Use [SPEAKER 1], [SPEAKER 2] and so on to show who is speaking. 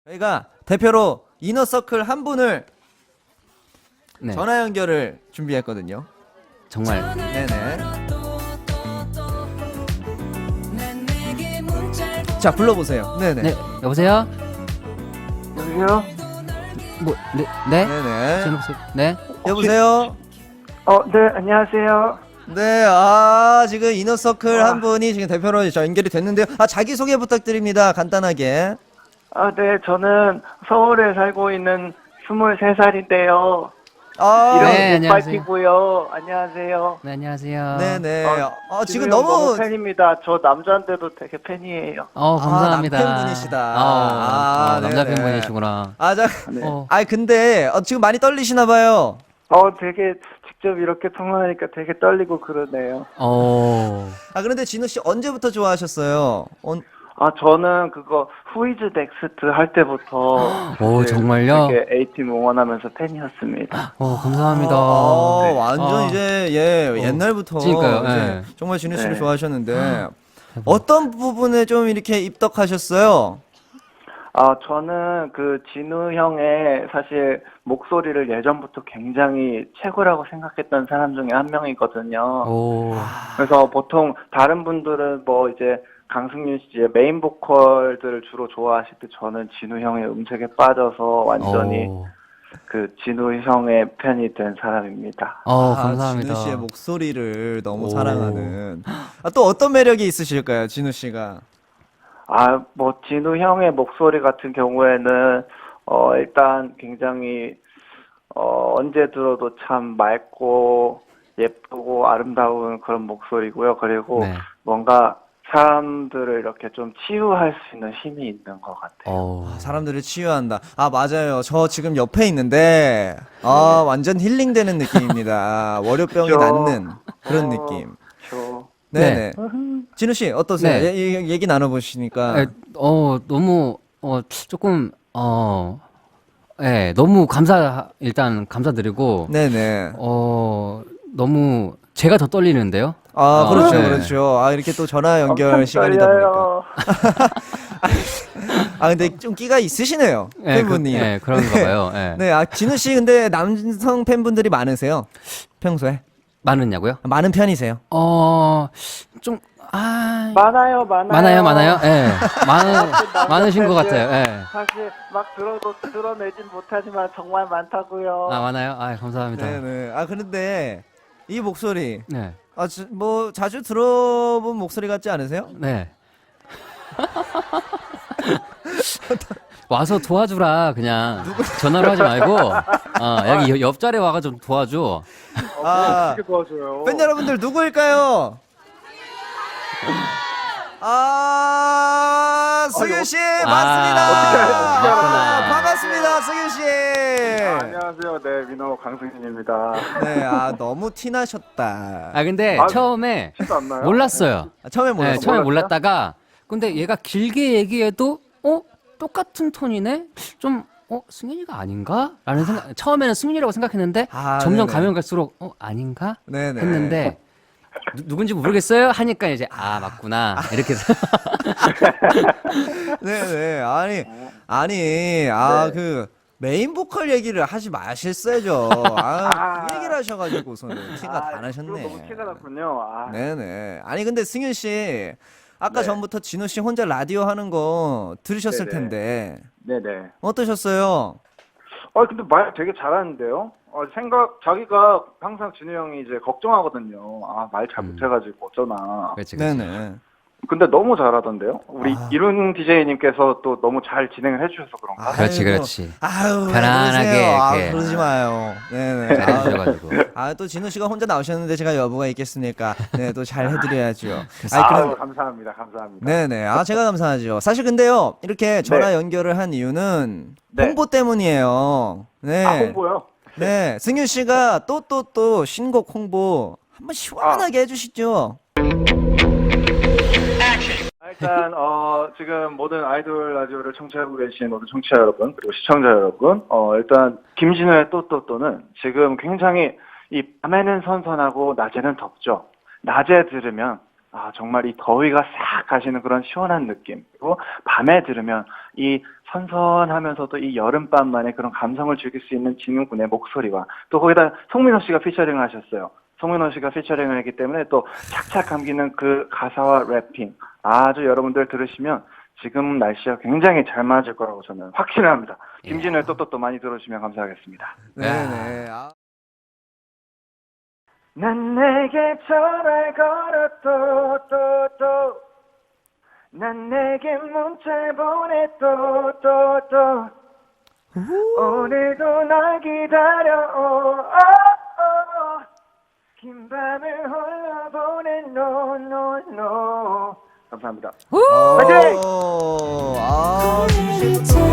[SPEAKER 1] 저희가 대표로 이너서클 한 분을
[SPEAKER 2] 네.
[SPEAKER 1] 전화 연결을 준비했거든요.
[SPEAKER 2] 정말
[SPEAKER 1] 네네. 자, 불러보세요. 네네.
[SPEAKER 2] 네 여보세요?
[SPEAKER 3] 여보세요?
[SPEAKER 2] 뭐 네?
[SPEAKER 1] 네네.
[SPEAKER 2] 네?
[SPEAKER 1] 여보세요?
[SPEAKER 3] 네, 안녕하세요.
[SPEAKER 1] 네, 지금 이너서클 한 분이 지금 대표로 연결이 됐는데요. 자기소개 부탁드립니다. 간단하게.
[SPEAKER 3] 네, 저는 서울에 살고 있는 23살인데요.
[SPEAKER 2] 네,
[SPEAKER 3] 이름은
[SPEAKER 2] 안녕하세요.
[SPEAKER 3] 백발피고요. 안녕하세요.
[SPEAKER 2] 네 안녕하세요.
[SPEAKER 1] 네네. 지금
[SPEAKER 3] 진우 형
[SPEAKER 1] 너무
[SPEAKER 3] 팬입니다. 저 남자인데도 되게 팬이에요.
[SPEAKER 2] 감사합니다.
[SPEAKER 1] 남편분이시다.
[SPEAKER 2] 남자
[SPEAKER 1] 네네.
[SPEAKER 2] 팬분이시구나.
[SPEAKER 3] 네.
[SPEAKER 1] 근데 지금 많이 떨리시나 봐요.
[SPEAKER 3] 되게 직접 이렇게 통화하니까 되게 떨리고 그러네요.
[SPEAKER 1] 그런데 진우 씨 언제부터 좋아하셨어요?
[SPEAKER 3] 저는 그거 후이즈 넥스트 할 때부터
[SPEAKER 2] 오, 정말요?
[SPEAKER 3] 되게 A팀 응원하면서 팬이었습니다.
[SPEAKER 2] 감사합니다.
[SPEAKER 1] 네. 완전 이제 옛날부터
[SPEAKER 2] 그러니까요,
[SPEAKER 1] 이제
[SPEAKER 2] 네.
[SPEAKER 1] 정말 진우 씨를
[SPEAKER 3] 네.
[SPEAKER 1] 좋아하셨는데 어떤 부분에 좀 이렇게 입덕하셨어요?
[SPEAKER 3] 저는 그 진우 형의 사실 목소리를 예전부터 굉장히 최고라고 생각했던 사람 중에 한 명이거든요. 그래서 보통 다른 분들은 뭐 이제 강승윤 씨의 메인 보컬들을 주로 좋아하실 때 저는 진우 형의 음색에 빠져서 완전히 그 진우 형의 팬이 된 사람입니다.
[SPEAKER 2] 감사합니다.
[SPEAKER 1] 진우 씨의 목소리를 너무 사랑하는. 또 어떤 매력이 있으실까요, 진우 씨가?
[SPEAKER 3] 뭐 진우 형의 목소리 같은 경우에는 일단 굉장히 언제 들어도 참 맑고 예쁘고 아름다운 그런 목소리고요. 그리고
[SPEAKER 2] 네.
[SPEAKER 3] 뭔가 사람들을 이렇게 좀 치유할 수 있는 힘이 있는 것 같아요.
[SPEAKER 1] 사람들을 치유한다. 맞아요. 저 지금 옆에 있는데 완전 힐링되는 느낌입니다. 월요병이
[SPEAKER 3] 그죠?
[SPEAKER 1] 낫는 그런 느낌. 네네. 진우 씨 어떠세요?
[SPEAKER 2] 네.
[SPEAKER 1] 얘기 나눠보시니까.
[SPEAKER 2] 너무 조금 너무 일단 감사드리고
[SPEAKER 1] 네네.
[SPEAKER 2] 너무 제가 더 떨리는데요.
[SPEAKER 1] 그렇죠,
[SPEAKER 2] 네.
[SPEAKER 1] 그렇죠. 이렇게 또 전화 연결
[SPEAKER 3] 엄청
[SPEAKER 1] 시간이다 보니까.
[SPEAKER 3] 떨려요.
[SPEAKER 1] 근데 좀 끼가 있으시네요, 팬분이.
[SPEAKER 2] 그런가 봐요. 네.
[SPEAKER 1] 네, 진우 씨 근데 남성 팬분들이 많으세요? 평소에?
[SPEAKER 2] 많으냐고요?
[SPEAKER 1] 많은 편이세요?
[SPEAKER 2] 좀
[SPEAKER 3] 많아요.
[SPEAKER 2] 많아요. 예. 많으신 것 같아요. 예.
[SPEAKER 3] 사실 막 들어도 드러내진 못하지만 정말 많다고요.
[SPEAKER 2] 많아요? 감사합니다.
[SPEAKER 1] 네네. 그런데 이 목소리,
[SPEAKER 2] 네.
[SPEAKER 1] 뭐 자주 들어본 목소리 같지 않으세요?
[SPEAKER 2] 네. 와서 도와주라 그냥 전화로 하지 말고 여기 옆자리에 와가 좀 도와줘.
[SPEAKER 3] 어떻게 도와줘요?
[SPEAKER 1] 팬 여러분들 누구일까요? 승윤 씨 맞습니다.
[SPEAKER 3] 어떻게
[SPEAKER 2] 맞구나.
[SPEAKER 1] 반갑습니다, 승윤 씨.
[SPEAKER 3] 안녕하세요. 네, 민호 강승진입니다.
[SPEAKER 1] 네, 너무 티나셨다.
[SPEAKER 2] 근데 처음에
[SPEAKER 3] 티도 안 나요?
[SPEAKER 2] 몰랐어요.
[SPEAKER 1] 처음에
[SPEAKER 2] 네,
[SPEAKER 1] 몰랐어요.
[SPEAKER 2] 처음에 몰랐다가 근데 얘가 길게 얘기해도 똑같은 톤이네? 좀 승윤이가 아닌가? 라는 생각. 처음에는 승윤이라고 생각했는데 점점
[SPEAKER 1] 네네.
[SPEAKER 2] 가면 갈수록 아닌가?
[SPEAKER 1] 네네.
[SPEAKER 2] 했는데 누군지 모르겠어요? 하니까 이제 맞구나. 이렇게 해서
[SPEAKER 1] 네네. 그 메인 보컬 얘기를 하지 마셨어야죠. 그 얘기를 하셔가지고서는 티가 다 나셨네.
[SPEAKER 3] 너무 티가 났군요.
[SPEAKER 1] 네네. 근데 승윤 씨, 아까
[SPEAKER 3] 네.
[SPEAKER 1] 전부터 진우 씨 혼자 라디오 하는 거 들으셨을
[SPEAKER 3] 네네.
[SPEAKER 1] 텐데
[SPEAKER 3] 네네.
[SPEAKER 1] 어떠셨어요?
[SPEAKER 3] 근데 말 되게 잘하는데요? 자기가 항상 진우 형이 이제 걱정하거든요. 말 잘 못해가지고 어쩌나.
[SPEAKER 2] 그렇지.
[SPEAKER 1] 네네.
[SPEAKER 3] 근데 너무 잘하던데요? 우리 이룬 DJ님께서 또 너무 잘 진행을 해주셔서 그런가?
[SPEAKER 2] 그렇지.
[SPEAKER 1] 왜
[SPEAKER 2] 편안하게
[SPEAKER 1] 그러세요?
[SPEAKER 2] 이렇게.
[SPEAKER 1] 그러지 마요. 네네.
[SPEAKER 2] 잘해주셔가지고.
[SPEAKER 1] 또 진우 씨가 혼자 나오셨는데 제가 여부가 있겠습니까? 네, 또 잘 해드려야죠.
[SPEAKER 3] 감사합니다.
[SPEAKER 1] 네네. 제가 감사하죠. 사실 근데요, 이렇게 전화 연결을 한 이유는
[SPEAKER 3] 네.
[SPEAKER 1] 홍보 때문이에요. 네.
[SPEAKER 3] 홍보요?
[SPEAKER 1] 네. 승윤 씨가 또 신곡 홍보 한번 시원하게 해주시죠.
[SPEAKER 3] 일단 지금 모든 아이돌 라디오를 청취하고 계신 모든 청취자 여러분 그리고 시청자 여러분 일단 김진우의 또또또는 지금 굉장히 이 밤에는 선선하고 낮에는 덥죠. 낮에 들으면 정말 이 더위가 싹 가시는 그런 시원한 느낌. 그리고 밤에 들으면 이 선선하면서도 이 여름밤만의 그런 감성을 즐길 수 있는 진우 군의 목소리와 또 거기다 송민호 씨가 피처링을 하셨어요. 송민호 씨가 피처링을 했기 때문에 또 착착 감기는 그 가사와 래핑 아주 여러분들 들으시면 지금 날씨와 굉장히 잘 맞을 거라고 저는 확신을 합니다. 김진우의 또또또 많이 들어주시면 감사하겠습니다.
[SPEAKER 1] 네네. 아.
[SPEAKER 3] 난 내게 전화를 걸어 또 난 내게 문자를 보내 또 오늘도 날 기다려 긴 밤을 홀로 보내 no 감사합니다. 파이팅!
[SPEAKER 1] 아,